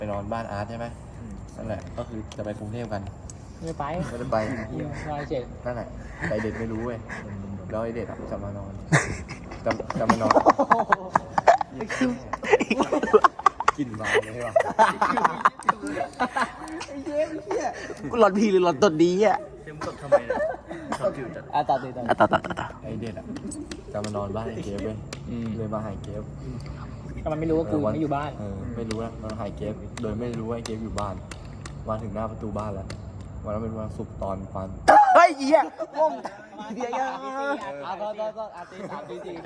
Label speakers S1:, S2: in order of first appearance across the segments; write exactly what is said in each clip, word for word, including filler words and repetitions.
S1: ไปนอนบ้านอาร์ตใช่ไหมนั่นแหละก็คือจะไปกรุงเทพกัน
S2: ไม่ไป
S1: ไม่ได้ไป
S2: ไปเจ็ด
S1: นั่นแหละแต่เด็ดไม่รู้เว้ยแล้วไอเด็ดอะจะมานอนจะจะมานอนกินมาเลยใช่ป่ะ
S3: กูหลอนพีหรือหลอนตดดีอ่ะ
S4: เต็มกดทำไมเนี่ยชอบผิวจัด
S2: อ่ะต่อตีต่อ
S3: อ่ะต่อต่อต่อต่อ
S1: ไอเด็ดอะจะมานอนบ้านไอเกฟเว้ยเลยมาหายเกฟ
S2: แต่มันไม่รู้ว่ากูไม่อยู่บ้าน
S1: เออไม่รู้นะมันหายเกฟโดยไม่รู้ว่าไอเกฟอยู่บ้านมาถึงหน้าประตูบ้านแล้ววันนั้นเป็นวันศุกร์ตอนปัน
S3: เฮ้ยเหี้ยงงเดี๋ยวยัง
S2: อ่ะต่อต่อต่ออ่ะตีสามตีสี่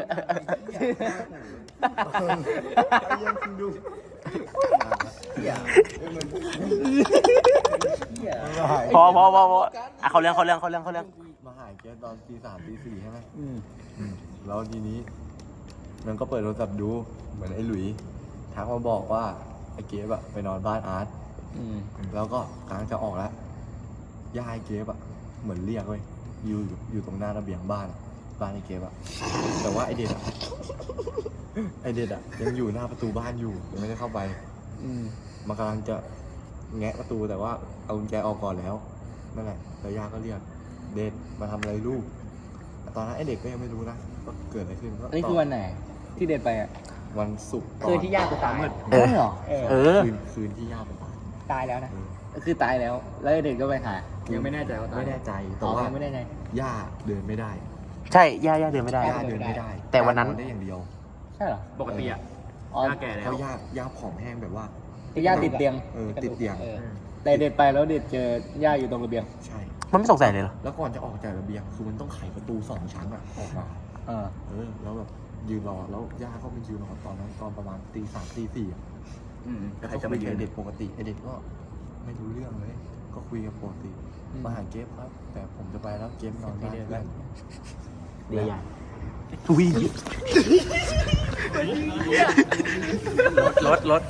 S1: ยังคุณดู
S3: พอพอพอพออ่ะเขาเรื่องเขาเรื่องเขาเรื่องเขาเรื่อง
S1: มาหายเกฟตอนตีสามตีสี่ใช่ไหมแล้วทีนี้มันก็เปิดโทรศัพท์ดูเหมือนไอ้หลุยทักมาบอกว่าไอ้เกฟอะไปนอนบ้านอาร์ตแล้วก็กำลังจะออกแล้วย่าไอ้เกฟอะเหมือนเรียกเว้ยอยู่อยู่ตรงหน้าระเบียงบ้านอะบ้านไอ้เกฟอะแต่ว่าไอเด็ดอะไอเด็ดอะยังอยู่หน้าประตูบ้านอยู่ยังไม่ได้เข้าไปมันกำลังจะแงะประตูแต่ว่าเอากุญแจออกก่อนแล้วนั่นแหละแล้วย่าก็เรียกเด็ดมาทำอะไรลูกตอนนั้นไอเด็กก็ยังไม่รู้นะว่าเกิดอะไรขึ้นก็
S2: อันนี้คือวันไหนที่เด็ดไปอ่ะ
S1: วันศุกร์
S2: คือที่ย่ากูตาย
S3: เออ
S2: เหรอเออ
S3: เออ
S1: คืนคืนที่ย่าไปตาย
S2: ตายแล้วนะ
S1: เออ
S2: คือตายแล้ว แล้วเด็กก็ไปหา ยังไม่แน่ใจว่าตาย
S1: ไม่แน่ใจแต่
S2: อ๋อ
S1: ว่า
S2: ยังไม่แน่ใจ
S1: ย่าเดินไม่ได้
S3: ใช่ย่าย่าเดินไม่ได้
S1: ย่าเดินไม่ได้
S3: แต่วันนั้น
S1: ย่าเดิได้อย่างเดียว
S2: ใช่เหรอ
S4: ปกติอ่ะ
S2: อ๋อ
S4: หน้าแก่แล้
S1: เพ
S4: ว
S1: ราะย่าย่าผอมแห้งแบบว่า
S2: ที่ย่าติดเตียง
S1: เออติดเตียง
S2: ออแต่เด็ดไปแล้วเด็ดเจอย่าอยู่ตรงระเบียง
S1: ใช่
S3: มันไม่สงสัยเลยเหรอ
S1: แล้วก่อนจะออกจากระเบียงคือมันต้องไขประตูสองชั้นอะออกมา
S2: เออ
S1: เออแล้วแบบยืนรอแล้วย่าก็ไปยืนรอตอนนั้นตอนประมาณตีสามตีสี่อะ
S4: อืม
S1: แล้ว
S4: ใคร
S1: ก็
S4: จะ
S1: คุ
S4: ไป
S1: ย
S4: ยื
S1: กับ
S4: น
S1: เด็กปกติไอเด็กก็ไม่รู้เรื่องเลย ก็คุยกับปกติมาหาเกฟครับ แต่ผมจะไปแล้วเกฟนอนบ้านเพื่อน
S3: ดีอ่ะทุยรถรถ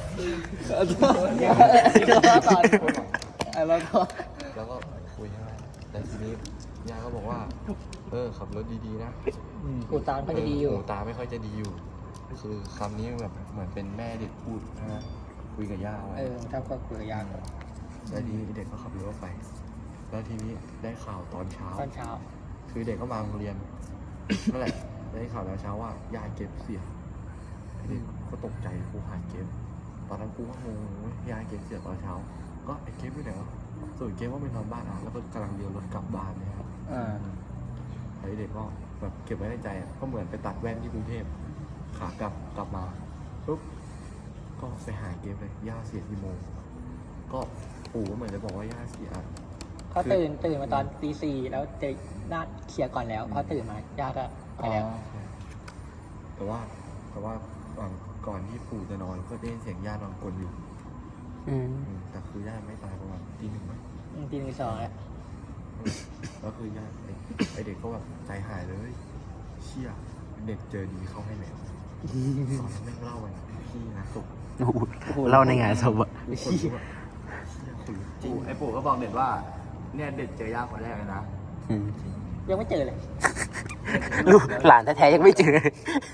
S2: แล้วก็
S1: แล้วก็คุยใช่ไหมแต่ทีนี้ย่าก็บอกว่า เออขับรถดีๆนะ
S2: กูตามก็จะดีอยู่
S1: หูตาไม่ค่อยจะดีอยู่ คือคำนี้แบบเหมือนเป็นแม่เด็กพูดนะคุยกับย่าไว้
S2: เออถ้าก็คุยกับย่าก่อน
S1: แล้วทีนี้เด็กก็ขับรถออกไป แล้วทีนี้ได้ข่าวตอนเช้า
S2: ตอนเช้า
S1: คือเด็กก็มาโรงเรียน นั่นแหละ ได้ข่าวแล้วเช้าว่าย่าเก็บเสียเด็กก็ตกใจกูหายเก็บ ตอนนั้นกูก็งงเว้ยย่าเก็บเสียตอนเช้า ก็ไอ้เก็บไปไหนวะส่วนเก็บว่าไปนอนบ้านอ่ะแล้วก็กำลังเลี้ยวรถกลับบ้านเนะครับ
S2: อ่า
S1: ไอ้เด็กก็แบบเก็บไว้ในใจอ่ะ ก็เหมือนไปตัดแว่นที่กรุงเทพ ขากลับกลับมาปุ๊บ ก็ไปหาเก็บเลย ย่าเสียกี่โมง ก็ปู่ก็เหมือนจะบอกว่าย่าเสีย
S2: เขาตื่นตื่นมาตอนตีสี่แล้วเจอหน้าเคลียร์ก่อนแล้วพอตื่นมาย่าก็ไปแล้ว
S1: แต่ว่าแต่ว่าก่อนก่อนที่ปู่จะนอนก็ได้ยินเสียงย่านอนกลนอยู่
S3: อืม
S1: อืมแต่คือย่าไม่ตายประมาณตีหนึ่งมั้ง
S2: อืมตีหนึ่งสองแล้ว
S1: แล้วคือย่าไอ้ไอเด็กก็แบบใจหายเลยเชี่ยเด็กเจอดีเข้าให้แล้วตอนนั้นแม่งเล่าไปพี่นะตก
S3: โอ้โหเล่าในงานศพอะ
S1: ทุกคนก็แบบเชี่ยขนลุกจริง
S4: ไอ้ปู่ก็บอกเด็ดว่า เนี่ยเด็ดเจอย่าคนแรกเลยนะ
S3: อืม
S2: ยังไม่เจอเลย
S3: ลูกหลานแท้ๆยังไม่เจอ
S1: มึง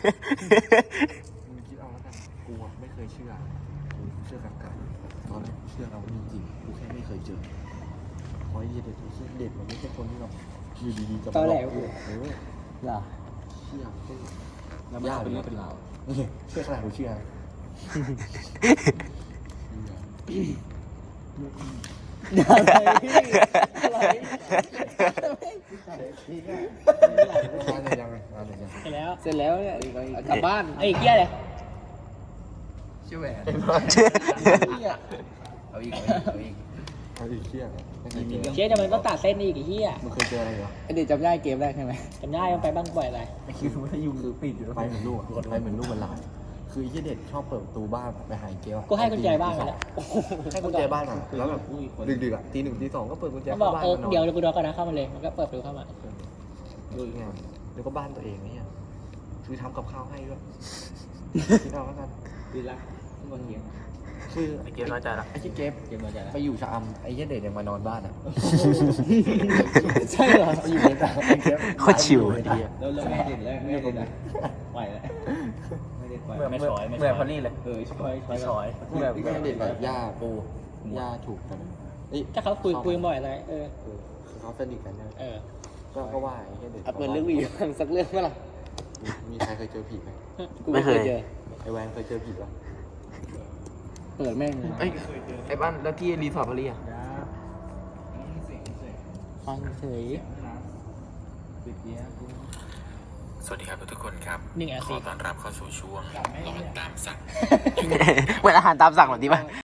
S1: คิดเอาแล้วกันกูอะไม่เคยเชื่อกูเชื่อกันกันตอนแรกเชื่อเราไม่มีจริงกูแค่ไม่เคยเจอเพราะไอ้เด็กไอ้เชี่ยเด็กมันไม่ใช่คนที่แบบอยู่ดีๆจะมา
S2: ตอนแรก
S1: หลกูเออ
S2: เหรอ
S1: เชื่อเชื่อยากเป็นเรื่องเป็นราวเชื่อขนาดกูเชื่ออะไรอะไรยังไงอะไรยัง
S2: เสร็จแล้ว เสร็จแล้วเนี่ยกลับบ้านไอ้ยเกี้ยเลย
S4: ชื่อแหวน
S1: เอาอีกเอาอีกเอาอีกเชี่ยไม่เคยเจอ
S2: เชี่ยจะมันต้องตัดเส้นอีกไอ้เหี้ย
S1: มึงเคยเจออะไรเหรอ
S2: ไอ้เด็กจำได้เกมแรกใช่ไหมจำได้มันไปบ้างบ่อยอะไร
S1: ไอ้คิวถ้ายุงคือปิดอยู่ไปเหมือนลูกไปเหมือนลูกมันหลานคือไอ้เด็กชอบเปิดประตูบ้านไปหาเกล
S2: กูให้กุญแจบ้านไปแล้ว
S1: ให้กุญแจบ้านมาแล้วแบบดึกๆอ่ะตีหนึ่งตีสองก็เปิดกุญแจ
S2: มันบอก
S1: บ้าน
S2: เออ
S1: มานอน
S2: เดี๋ยวกูรอก่อนนะเข้ามาเลยมันก็เปิดประตูเข้ามา
S1: ดูอีกไงแล้วก็บ้านตัวเองเนี่ยคือทำกับข้าวให้ด้วยคิดเอาแล้วกัน
S2: ดีละบนเตียง
S1: คือ
S3: ไอเกมน้อยใจละ
S1: ไอ้ที่เกฟ
S2: เกมมันจะ
S1: ไปอยู่ชะอำไอ้เหี้ยเด็กยังมานอนบ้านอ่ะ
S2: ใช่เหรอ
S1: ไปอยู่ในตาไอ้เกฟ
S3: โคตรชิว
S1: ไอ้เหี้ย
S2: แล้วแล้วไม่เด่นแล้วไม่เด่นแล้วไหวแล้วไม่เด่นไหว
S3: ไม่ช้อยไม่ช้อยพอลี่เลย
S2: เออช้อยช้อย
S3: ช้อย
S1: แบบไม่เด็กแบบย่าปูย่าถูกกันเอ้ย
S2: ถ้าเขาคุยคุยบ่อยอะไรเออ
S1: เออเขาสนิทกันนะ
S2: เออ
S1: ก็ก็ว่าไอ้เหี้ยเด็ก
S2: เปิดเรื่องวีสักเรื่องเมื่อไหร่
S1: มีใครเคยเจอผีไหม
S3: ไม่เคย
S2: เจอ
S1: ไอ้แวนเคยเจอผีปะ
S2: เปิดแม่งเลย
S4: เอ้ยไอ้บ้านแล้วที่รีสอร์ทพอลี่อะ
S2: ฟังเฉย
S5: สวัสดีครับทุกคนครับ
S2: หนึ่งอา
S5: ข
S2: ทิ
S5: อ
S2: ตย์
S5: ต้อนรับเข้าสู่ช่วงร้อนตามสั่ง
S3: เหมือนอาหารตามสั่งแบบนี้ป่ะ